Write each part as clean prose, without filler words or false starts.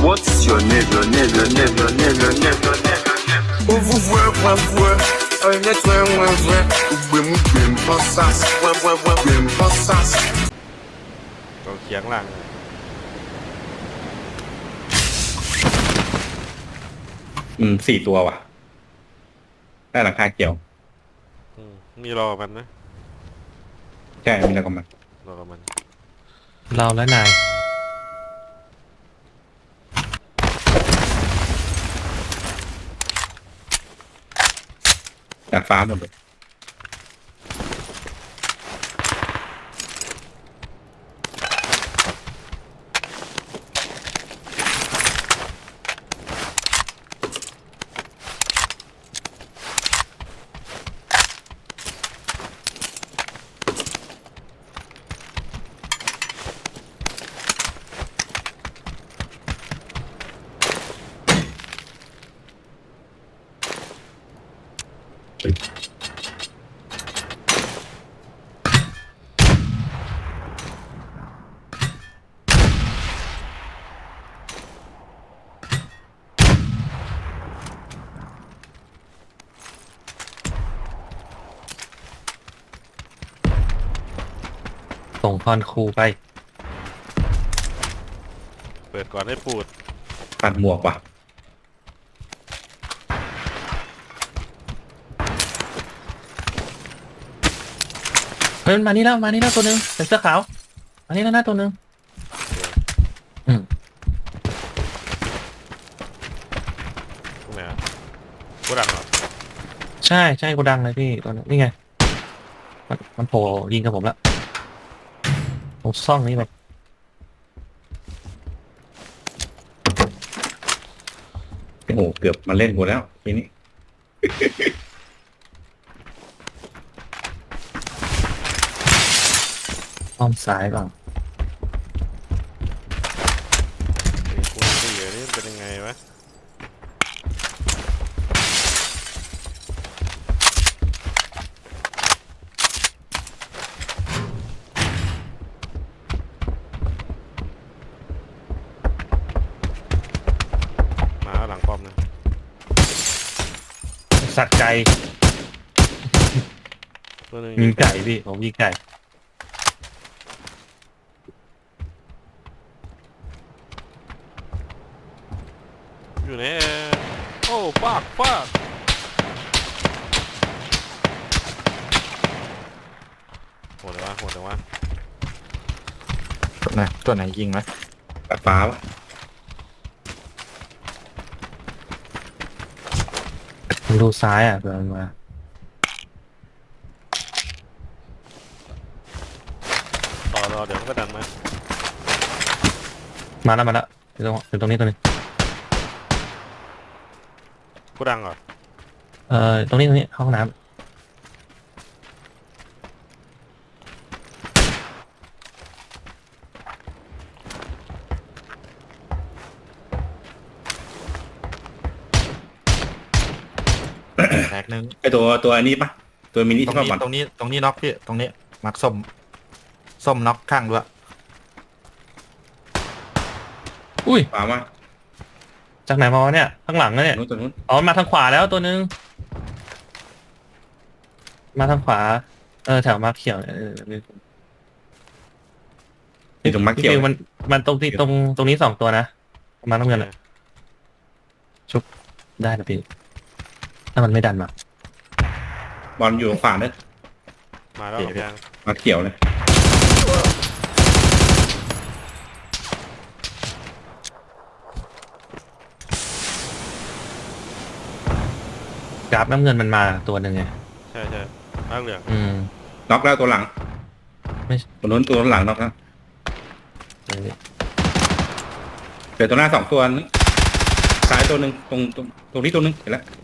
What's your name, your name, your name, your name, your name, your name, your name? Oh, vous voyez, เราเคียงหลัง 4 ตัวว่ะได้หลังคาเขียวมีรอมันนะใช่มีแล้วก็มันรอมันเราและนายดาดฟ้าหมดเลยส่งพรครูไปเปิดก่อนให้ปูดปัดหมวกว่ะเฮ้ยมันมานี่แล้วตัวหนึ่งใส่เสื้อขาวมานี่แล้วนะตัวหนึ่งตรงไหนอะกูดังเหรอใช่กูดังเลยพี่ตัวนั้นนี่ไงมันโผล่ยิงกับผมแล้วผมซ่องนี้ไปโอ้โหเกือบมาเล่นกูแล้วทีนี้อ้อมซ้ายบ้างไอ้คูณ4นี่เป็นยังไงวะ มาหลังป้อมนะสัตว์ไก่ตัวหนึงยิงไก่พี่ผมยิงไก่อยู่ในโอ้ฟากโหดเลยวะตัวไหนยิงไหมดาดฟ้าวะผมดูซ้ายอ่ะเผื่อมันมารอเดี๋ยวมันก็ดันมาแล้วอยู่ตรงนี้ตัวนึงกูดังเหรอตรงนี้ห้องน้ำแตกหนึ่งไอตัวอันนี้ปะตัวมินิตรงที่ว่านี้บอลตรงนี้น็อกพี่ตรงนี้มักส้มน็อกข้างด้วยอุ้ยขวามาจากไหนมาวะเนี่ยข้างหลังนะเนี่ยนู้นตัวนู้นอ๋อมาทางขวาแล้วตัวนึงมาทางขวาแถวมาเขียวเนี่ยนี่ตรงมาร์คเขียวพี่ฟิวมันตรงนี้2 ตัวนะมาน้ำเงินอะชุบได้นะพี่ถ้ามันไม่ดันมาบอลอยู่ขวาเนี่ยมาแล้วยังมาร์คเขียวเลยกราฟน้ำเงินมันมาตัวหนึ่งไงใช่มาเหลืองน็อกแล้วตัวหลังไม่ตัวนู้นตัวหลังน็อกแล้วเดี๋ยวตัวหน้า2 ตัวนึงซ้ายตัวหนึ่งตรงนี้ตัวหนึ่งเห็นแล้ว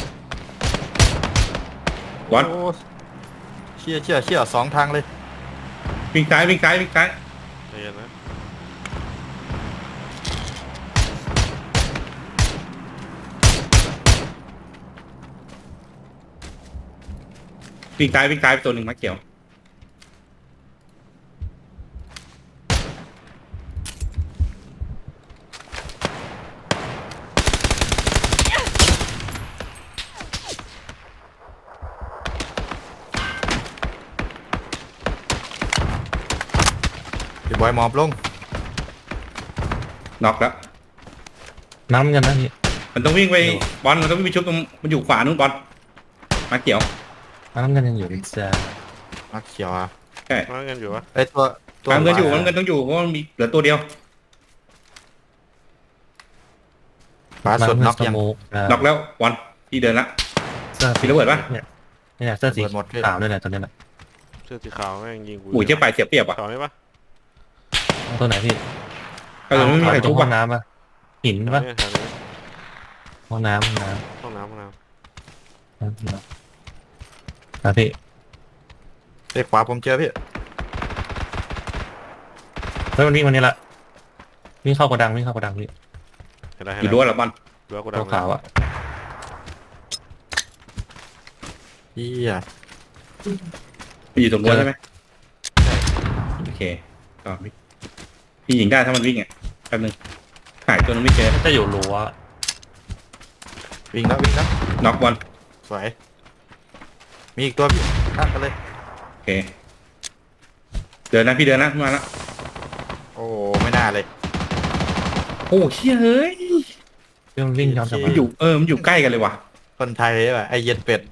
บอลโอ้เชี่ย2 ทางเลยวิ่งซ้ายใจเย็นนะวิ่งซ้ายไปตัวหนึ่งมาเขียวบอยหมอบลงน็อกแล้วน้ำกันนะพี่มันต้องวิ่งไปบอลมันต้องวิ่งไปชุบตรงมันอยู่ขวานู้นบอลมาเกี่ยวน้ำกันยังอยู่ในจ้ามักเขียวอ่ะใช่มาเงินอยู่วะไอยตัวมันเงินอยู่มันเงินต้องอยู่เพราะมันมีเหลือตัวเดียวฟ้าสุดน็อกสยังโมกน็อกแล้วบอลพี่เดินละเสื้อมีระเบิดปะเนี่ยเสื้อสีระเบิดหมดพี่ขาวด้วยแหละตัวนี้แหละเสื้อสีขาวแม่งยิงกูอุ้ยเจ๊ไปเสียเปรียบอ่ะขาวไหมปะเอาตัวไหนพี่ไม่มีใครตรทุงบห้ออ่ะงน้ำปะหินปะแถวนี้ห้องน้ำห้องน้ำห้องน้ครับพี่เอ้ยขวาผมเจอพี่แล้วมันวิ่งวันนี้ละวิ่งเข้ากระดังพี่ำเห็นแล้วอยู่ด้วยเหรอบอลรั้วกูตัวดำขาวอ่ะเฮียพี่อยู่ตรงนู้นใช่ไหมโอเคก็พี่ยิงได้ถ้ามันวิ่งอ่ะแป๊บนึงหายตัวนึงไม่เจอจะอยู่รั้ววิ่งแล้ววิ่งแล้วน็อกบอลสวยมีอีกตัวพี่ตั้งกันเลยโอเคเดินนะพี่เดินนะมาละโอ้ไม่น่าเลยโอ้เชี่ยเฮ้ยเรื่องวิ่งย้อนกลับมามันอยู่มันอยู่ใกล้กันเลยว่ะคนไทยว่ะไอเย็นเป็ด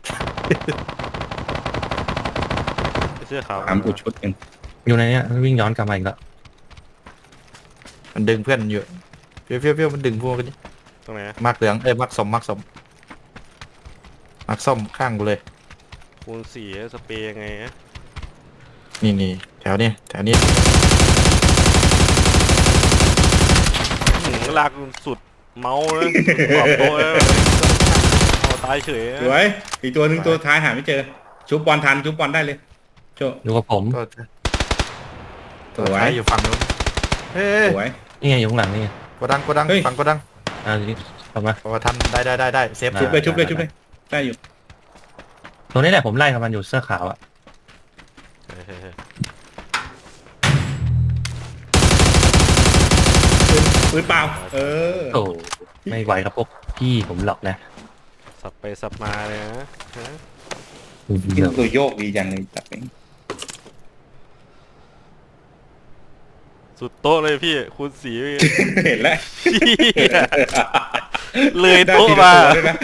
เสื้อขาวถามกูชุดหนึ่งอยู่ในเนี้ยวิ่งย้อนกลับมาอีกแล้วมันดึงเพื่อนอยู่เฟี้ยวมันดึงพวกกันนี่ตรงไหนมักเหลืองเอ้ยมักสมมักส้มข้างกูเลยคูณสี่สเปรย์ยังไงฮะนี่แถวนี้ลากสุดเมาส์นะขอบโต๊ะแล้วเอาตายเฉยสวยอีกตัวหนึ่งตัวท้ายหาไม่เจอชุบบอลทันชุบบอลได้เลยโจอยู่กับผมก็สตัววยท้ายอยู่ฝั่งนู้นเฮ้ยสวยนี่ไงอยู่ข้างหลังนี่ไงโกดังเฮ้ยฝั่งโกดังกลับมาพอทันได้เซฟชุบเลยได้อยู่ตรงนี้แหละผมไล่กับมันอยู่เสื้อขาวอ่ะปืนเปล่าโอ้ไม่ไหวครับพวกพี่ผมหลอกนะสับไปสับมาเลยนะฮะกินตัวโยกดีจังเลยจับเองสุดโต๊ะเลยพี่คูณสี่เห็นแล้วเลยโต๊ะมา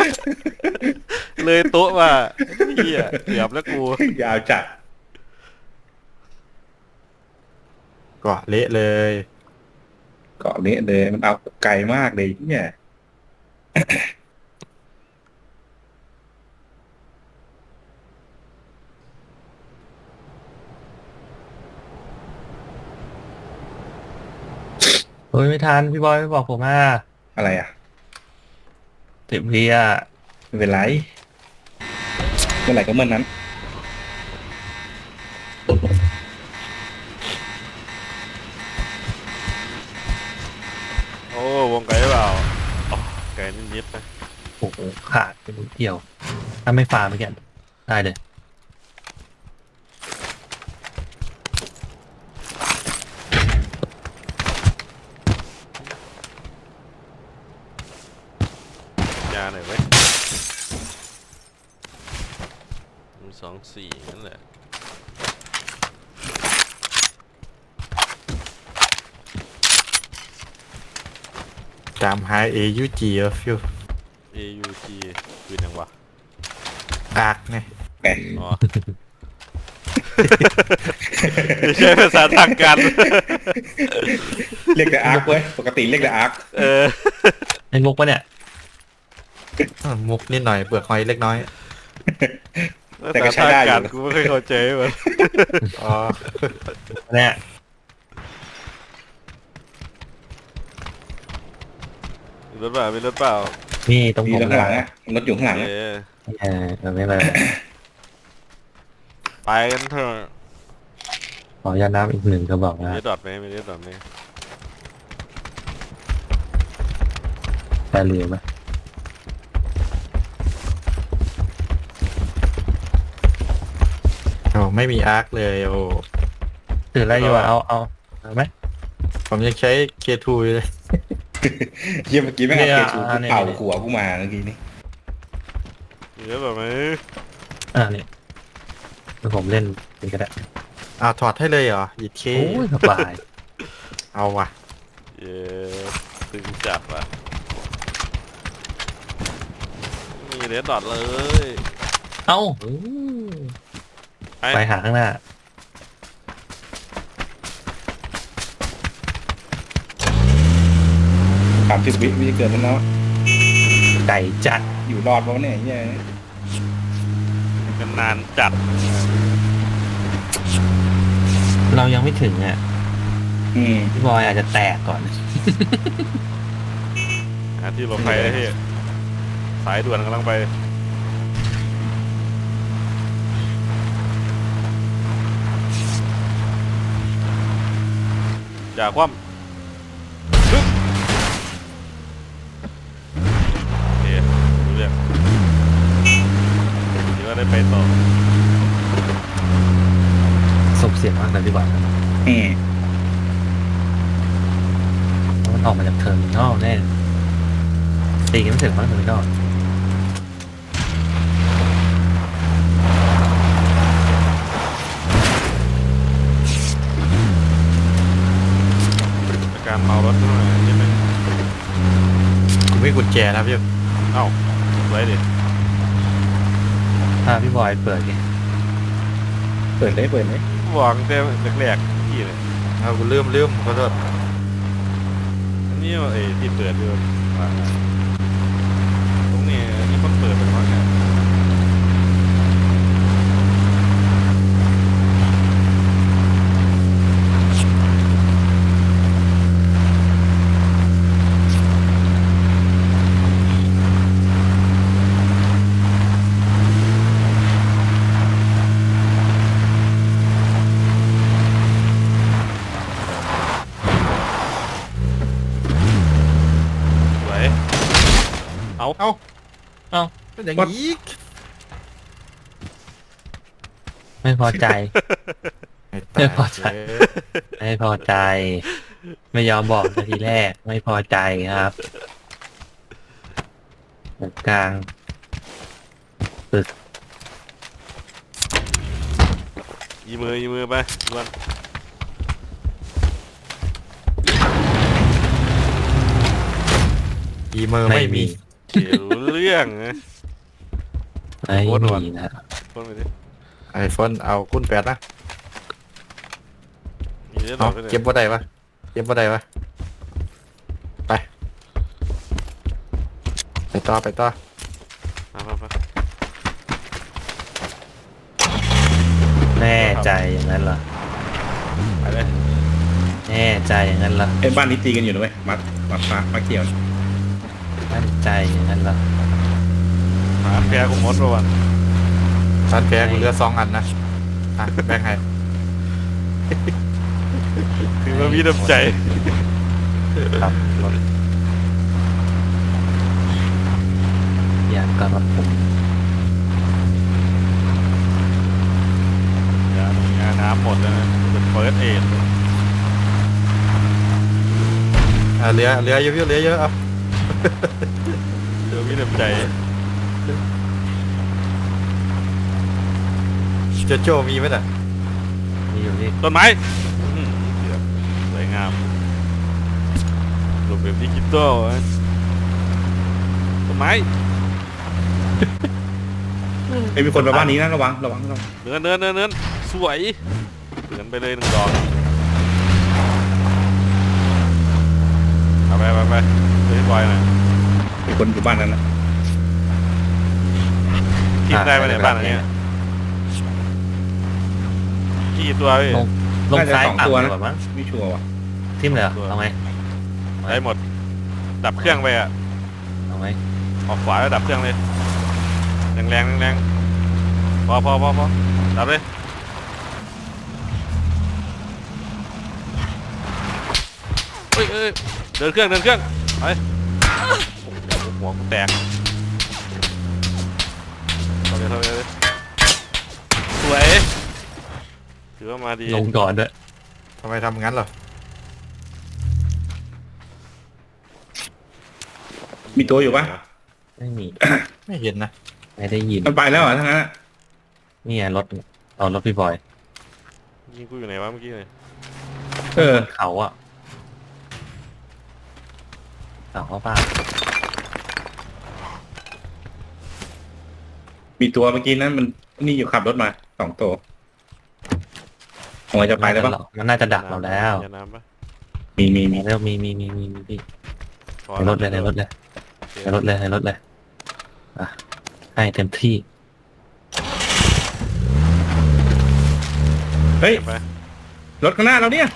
เลยโต๊ะมาเฮียเกือบแล้วกูยาวจัดก็เละเลยเกาะนี้เลยมันเอาไกลมากเลยเนี่ยเฮ้ยไม่ทันพี่บอยไม่บอกผมอ่ะอะไรอ่ะ 10 วิอ่ะไม่เป็นไรเมื่อไหร่ก็เมื่อนั้นโอ้วงไกลเปล่าอ๋อไกลนิดๆนะโอ้โหขาดเป็นเกี่ยว ถ้าไม่ฟาเมื่อกี้ได้เลยยาหน่อยเว้ย2-4นั่นแหละตามหา AUG ฟิว AUG คือยังวะอากไงแหมอ๋อ ไม่ใช่ภาษาทางการเรียกแต่อาร์คเว้ยปกติเรียกแต่อาร์คไอ้มุกปะเนี่ยมุกนิดหน่อยเปลือกหอยเล็กน้อยแต่ก็ใช้ได้อยู่กูไม่เคยเข้าใจมันอ๋อเนี่ยมีรถเปล่ามีรถเปล่านี่ตรงมีผมรถข้างหลังอ่ะรถอยู่ข้างหลังเออะไม่เป็นไรไปกันเถอะขอยาน้ำอีกหนึ่งกระบอกนะมีดอทไหมมีดอทไหมได้เรือไหมโอ้ไม่มีอาร์คเลยโอ้ถืออะไรอยู่อ่ะเอาไหมผมยังใช้ K2 อยู่เลยเยี่ยมเมื่อกี้แม่งเอาเนี่ยเคชูเนี่ยเป่าหัวกูมาเมื่อกี้นี่มีรถแบบไหมนี่เดี๋ยวผมเล่นเป็นก็ได้อ้าวถอดให้เลยเหรอหยิบเคโอ้ยสบายเอาว่ะเย้ตึงจัดว่ะมีเรดดอทเลยเอ้าไอ้ไปหาข้างหน้า 30 วิจะเกิดแล้วเนาะไก่จัดอยู่รอดเพราะเนี่ยเหี้ยกันนานจัดเรายังไม่ถึงอ่ะอืมพี่บอยอาจจะแตกก่อนหาที่หลบภัยได้ที่สายด่วนกำลังไปอย่าคว่ำฮึบโอเครู้เรื่องคิดว่าได้ไปต่อส่งเสียงมากเลยพี่บอยอืมมันออกมาจากเทอร์มินอลแน่ตีกันไม่ถึงมั้งเทอร์มินอลการเมารถด้วยใช่ไหมกูไม่กุญแจนะพี่เอ้าไว้ดิถ้าพี่บอยเปิดไงเปิดเลยเปิดเลยวางแต่แรกๆที่เลยเอากูลืมขอโทษอันนี้ไอ้ที่เปิดอยู่ตรงนี้นี่คนเปิดเป็นว่าไงสวยเอาเป็นอย่างนี้ไม่พอใจ ไม่พอใจเอไม่พอใจ ไม่ยอมบอกนาทีแรก ไม่พอใจครับตรงกลางยีมือไปด่วนอีเมอร์ไม่มีเขียวเรื่องนะไม่โคตรหวานมีนะคนไปดิไอโฟนเอาคุณแปดนะมีเรื่องเอาไปเลยเก็บบ่ได้ปะเก็บบ่ได้ปะไปต่อไปแน่ใจอย่างนั้นเหรอไปเลยแน่ใจอย่างนั้นเหรอไอ้บ้านนี้ตีกันอยู่ด้วยมัดฟ้ามาเกี่ยวมั่นใจอย่างนั้นเหรอหาแพ้กูมดประวันชั้นแพ้กูเหลือ2 อันนะอ่ะแบ่งให้คือว่ามีน้ำใจครับรถอย่างกับรถผมยาน้ำหมดแล้วนะเป็นเฟิร์สเอดเหลือเยอะเหลือเยอะเอาเดี๋ยวมีน้ำใจเจโจมีไหมน่ะมีอยู่ที่ต้นไม้เดี๋ยวสวยงามรูปแบบดิจิตอลต้นไม้ไอ้มีคนมาบ้านนี้นะระวังเนินสวยเดินไปเลย1 ดอกไปเฮ้ยบอยหน่อยมีคนอยู่บ้านนั้นนะกินได้ไหมในบ้านอันนี้กี่ตัวพี่ลงน่าจะซ้าย 2 ตัวต่ำนะกว่ามั้งไม่ชัวร์ว่ะทิ่มเลยเหรอเอาไหมได้หมด ดับเครื่องไปอ่ะเอาไหมออกขวาแล้วดับเครื่องเลยแรงพอดับเลยเฮ้ยเดินเครื่องไปโอ้โหหัวกูแตกเข้าเลยสวยถือว่ามาดีลงก่อนด้วยทำไมทำงั้นเหรอมีตัวอยู่ปะไม่มีไม่เห็นนะไม่ได้ยินมันไปแล้วเหรอทั้งนั้นอะนี่ไงรถเอารถพี่บอยยิงกูอยู่ไหนวะเมื่อกี้เลยเออเขาอะเขาเขาป่ามีตัวเมื่อกี้นั้นมันนี่อยู่ขับรถมา2 ตัวผมจะไปแล้วปะมันน่าจะดักเราแล้วอย่าน้ำปะมีมีแล้วมีพี่ขอในรถเลยในรถเลยในรถเลยในรถเลยอ่ะให้เต็มที่เฮ้ยเก็บไปรถข้างหน้าเราเนี่ย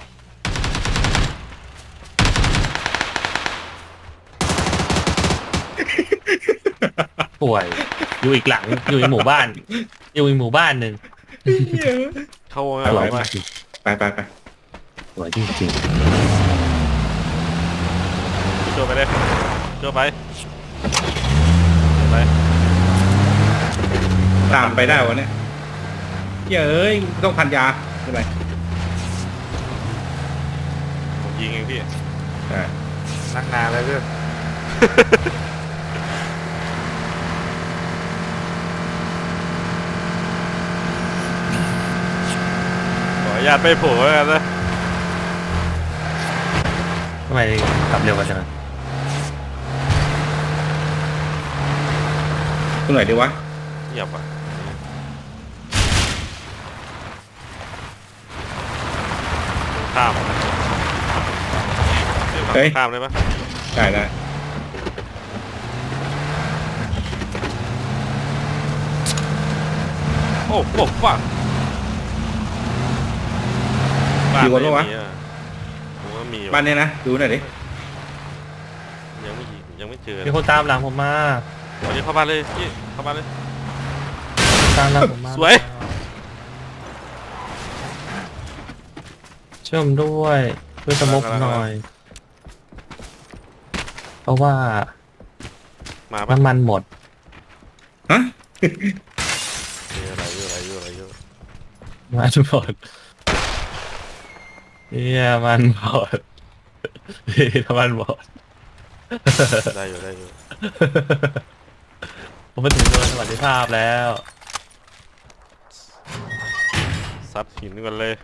ป่วย อยู่อีกหลังอยู่ในหมู่บ้าน อยู่ในหมู่บ้านหนึ่งเข้าวงสวยไปมากไปสวยจริงโจไปเลยโจไปไปตามไปได้วะเนี่ยเอ้ยต้องพันยาใช่ไหมผมยิงเองพี่อ่านั่งนานเลยเพื่อนขออนุญาตไปโผล่แล้วกันนะๆทำไมขับเร็วกว่าจังตรงไหนดีวะเงียบอ่ะข้ามนะเฮ้ยข้ามได้ปะได้โอ้โหฟังอยู่บนปะวะผมว่ามีบ้านเนี้ยนะดูหน่อยดิยังไม่เจอมีคนตามหลังผมมาวันนี้เข้าบ้านเลยพี่เข้าบ้านเลยตามหลังผมมาสวยช่วยผมด้วยช่วยสมกหน่อย เพราะว่ามาปะน้ำมันหมดฮะอะไรเยอะน้ำมันหมดเนี่ยมันหมดน้ำมันหมดได้อยู่ผมมาถึงโดนสวัสดิภาพแล้วซัดหินกันเลย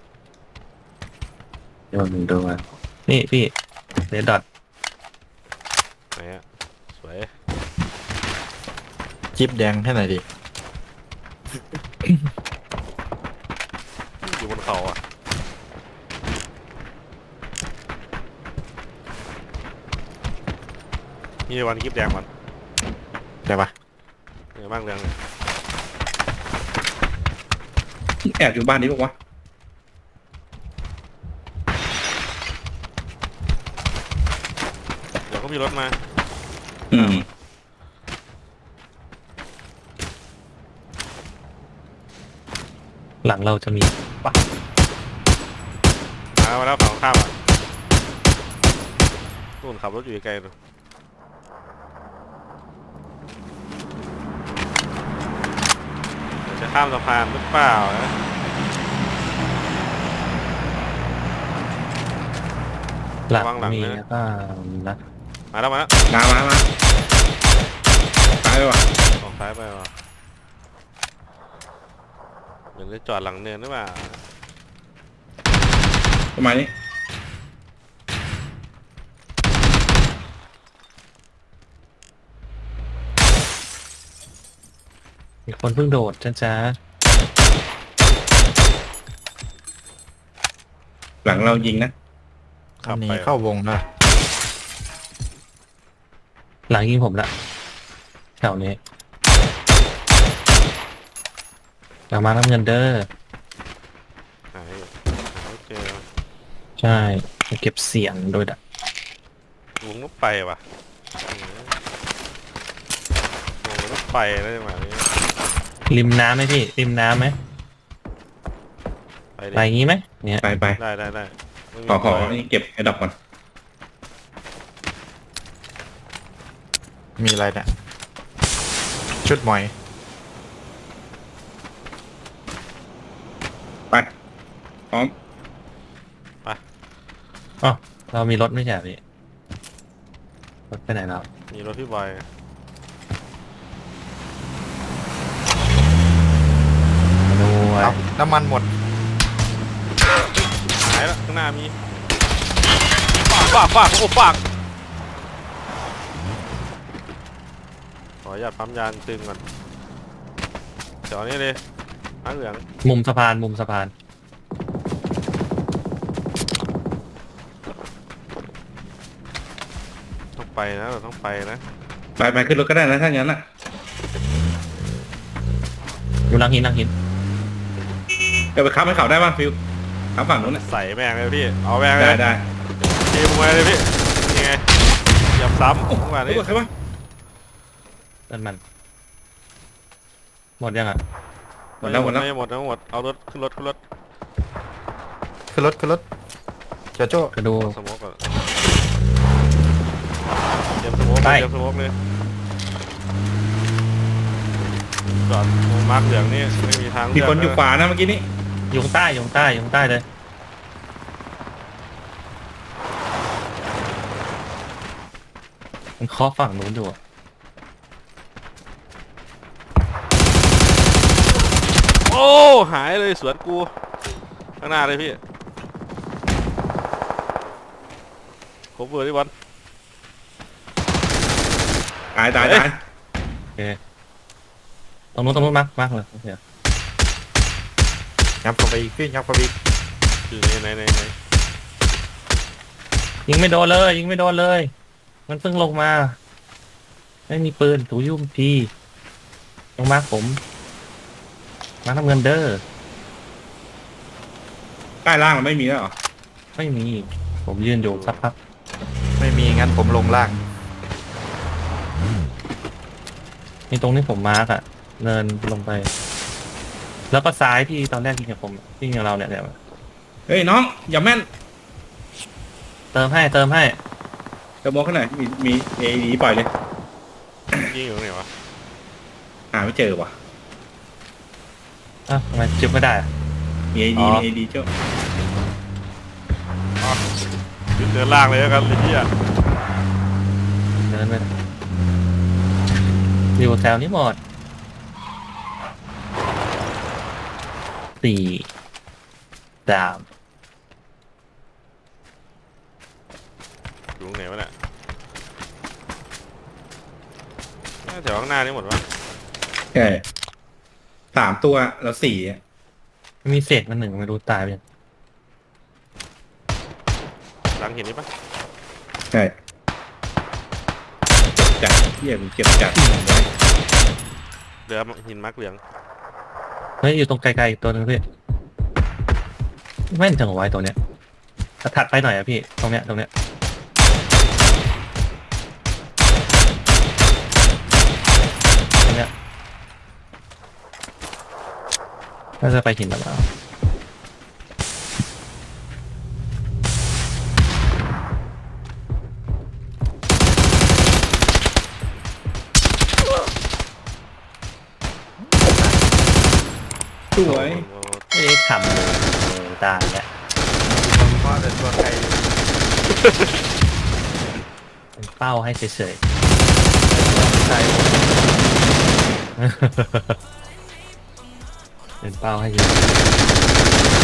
โดนนี่พี่เรดดอทไหนอะสวยจิ๊บแดงให้หน่อยดิอยู่บนเขาอ่ะนี่วันกิฟแดงมันได้ปะเนี่ยมากเรื่องเลยแอบอยู่บ้านนี้ปะวะเดี๋ยวก็มีรถมาหลังเราจะมีปะมาแล้วฝั่งข้ามอ่ะนู่นขับรถอยู่ไกลๆนู่นเดี๋ยวจะข้ามสะพานหรือเปล่านะหลังระวังหลังมีนะแล้วก็นะมาแล้วมาตายไปวะออกซ้ายไปว่ะเหมือนจะจอดหลังเนินหรือเปล่าประมาณนี้มีคนเพิ่งโดดจ้าหลังเรายิงนะอันนี้เข้าวงนะหลังยิงผมละแถวนี้หลังมาน้ำเงินเด้อหายอยู่หาไม่เจอใช่เก็บเสียงโดยดักวงรถไฟว่ะวงรถไฟได้ไหมนี้ริมน้ำไหมพี่ริมน้ำไหมไปดิไปงี้ไหมเนี่ยไปได้ไม่มีขอไฟนี่เก็บไอ้ดอกก่อนมีอะไรเนี่ยชุดหมอยไปพร้อมอ๋อเรามีรถไม่ใช่เหรอพี่รถไปไหนแล้วมีรถพี่บอยมาด้วยเอาน้ำมันหมดหายแล้วข้างหน้ามีปากโอ้ปากออนุญาตปั๊มยานตึงก่อนเดี๋ยวนี้เลยม้าเหลืองมุมสะพานมุมสะพานต้องไปนะเราต้องไปนะไปขึ้นรถก็ได้นะถ้างั้นอ่ะอยู่หลังหินหลังหินเดี๋ยวไปค้ำให้เขาได้ป่ะฟิวค้ำฝั่งนู้นน่ะใส่แม่งเลยพี่เอาแม่งเลได้ยได้ทีมมาเลยพี่นี่ไงยับซ้ำทุกวันรู้นี้ป่ะใช่ป่ะเดินมัน หมดยังอ่ะหมดแล้วไม่หมดเอารถขึ้นรถขึ้นรถเจ้าโจ้กระดูสโมกก่อนเตรียมสโมกเลยเตรียมสโมกเลยจอดตรงมาร์คเหลืองนี่ไม่มีทางมีคนอยู่ขวานะเมื่อกี้นี้อยู่ข้างใต้อยู่ข้างใต้อยู่ข้างใต้เลย มันเคาะฝั่งนู้นอยู่อะโอ้หายเลยสวนกูข้างหน้าเลยพี่โคเวอร์ที่วันตายโอเคตรงนู้นมากเลยโอเคยับเข้าไปอีกพี่ยับเข้าไปอีกคือไหนยิงไม่โดนเลยยิงไม่โดนเลย มันเพิ่งลงมา ไม่มีปืนถูยุ่มพีลงมาผมมาทำเงินเด้อใต้ล่างมันไม่มีแล้วเหรอไม่มี ผมยืนอยู่สักพักไม่มีงั้นผมลงล่างมีตรงที่ผมมาร์กอะเนินลงไป แล้วก็ซ้ายที่ตอนแรกยิงกับผมยิงกับเราเนี่ยเฮ้ยน้องอย่าแม่นเติมให้เดี๋ยวมองข้างหน่อยมีเอดีปล่อยเลยยิงอยู่ตรงไหนวะหาไม่เจอว่ะอ้าวทำไมจุดไม่ได้อะมีเออ๋ดีอมีเอดีเจ้าขึ้นเดินล่างเลยแล้วกันเลยพี่อะเดินไปอยู่แถวนี้หมด4 3 อยู่ตรงไหนวะเนี่ยน่าแถวข้างหน้านี่หมดวะใช่3 ตัวแล้ว4อ่ะมีเศษมา1ไม่รู้ตายไปยังหลังเห็นนี่ปะใช่จัดเที่ยกูเก็บจัดเรือหินมาร์คเหลืองเฮ้ยอยู่ตรงไกลๆอีกตัวหนึงพี่แม่นจังหวะไอ้ตัวเนี้ยถัดไปหน่อยอะพี่ตรงเนี้ยตรงเนี้ยน่าจะไปหินแล้วเปล่าสวยไม่ได้ทำเลยตายแล้วเพราะแต่ตัวไกลเป็นเป้าให้เฉยไกลๆ เป็นเป้าให้เฉย